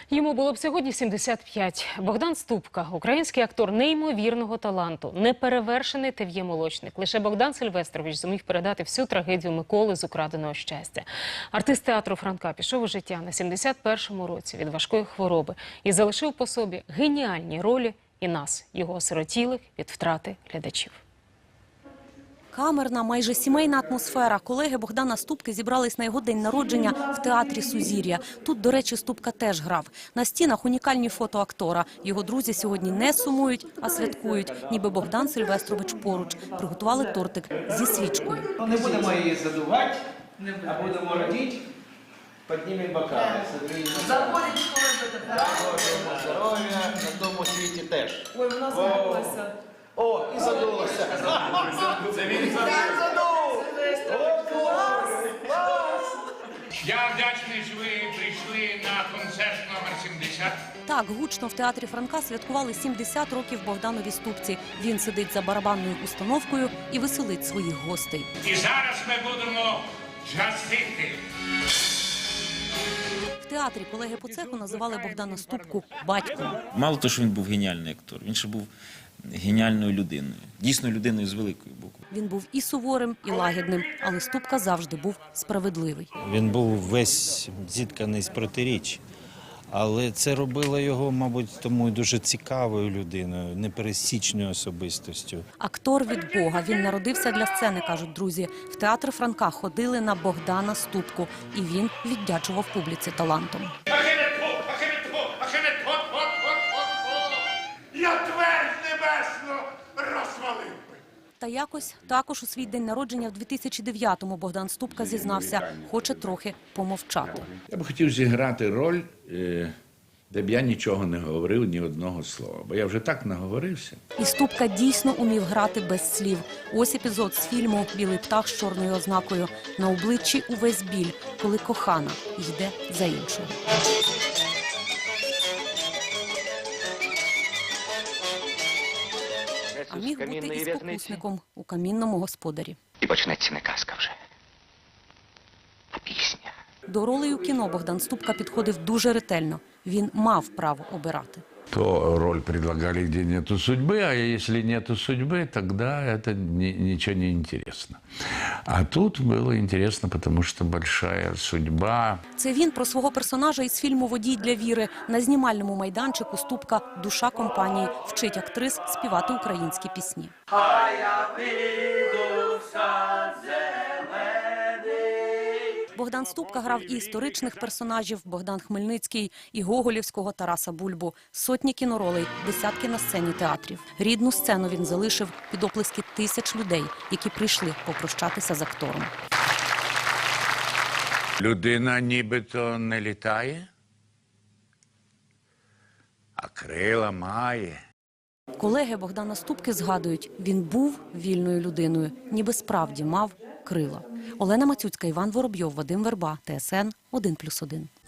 Йому було б сьогодні 75. Богдан Ступка – український актор неймовірного таланту, неперевершений ТВ-молочник. Лише Богдан Сильвестрович зумів передати всю трагедію Миколи з украденого щастя. Артист театру Франка пішов у життя на 71-му році від важкої хвороби і залишив по собі геніальні ролі і нас, його осиротілих від втрати глядачів. Камерна, майже сімейна атмосфера. Колеги Богдана Ступки зібрались на його день народження в театрі «Сузір'я». Тут, до речі, Ступка теж грав. На стінах унікальні фото актора. Його друзі сьогодні не сумують, а святкують, ніби Богдан Сильвестрович поруч. Приготували тортик зі свічкою. Не будемо її задувати, а будемо радіти. Піднімемо бокали. Заходить школа. Здоров'я на тому світі теж. Ой, у нас написано. О, і задулося. Це він задув. О, клас! Я вдячний, що ви прийшли на концерт номер 70. Так, гучно в театрі Франка святкували 70 років Богданові Ступці. Він сидить за барабанною установкою і веселить своїх гостей. І зараз ми будемо джазити. В театрі колеги по цеху називали Богдана Ступку батьком. Мало того, що він був геніальний актор, він ще був геніальною людиною. Дійсно людиною з великої букви. Він був і суворим, і лагідним, але Ступка завжди був справедливий. Він був весь зітканий з протиріч. Але це робило його, мабуть, тому і дуже цікавою людиною, непересічною особистостю. Актор від Бога. Він народився для сцени, кажуть друзі. В театр Франка ходили на Богдана Ступку. І він віддячував публіці талантом. Я твердь небесну розвалив би. Та якось також у свій день народження в 2009-му Богдан Ступка зізнався, хоче трохи помовчати. Я б хотів зіграти роль, де б я нічого не говорив, ні одного слова. Бо я вже так наговорився. І Ступка дійсно умів грати без слів. Ось епізод з фільму «Білий птах з чорною ознакою». На обличчі увесь біль, коли кохана йде за іншого. А міг бути і спокусником у камінному господарі. І почнеться не казка вже, а пісня. До ролей у кіно Богдан Ступка підходив дуже ретельно. Він мав право обирати. То роль предлагали, где нету судьбы, а если нету судьбы, тогда это ничего не интересно. А тут было интересно, потому что большая судьба. Це він про свого персонажа із фільму «Водій для Віри». На знімальному майданчику Ступка – душа компанії, вчить актрис співати українські пісні. Богдан Ступка грав і історичних персонажів – Богдан Хмельницький, і гоголівського Тараса Бульбу. Сотні кіноролей, десятки на сцені театрів. Рідну сцену він залишив під оплески тисяч людей, які прийшли попрощатися з актором. Людина нібито не літає, а крила має. Колеги Богдана Ступки згадують, він був вільною людиною, ніби справді мав крила. Олена Мацюцька, Іван Воробйов, Вадим Верба, ТСН 1+1.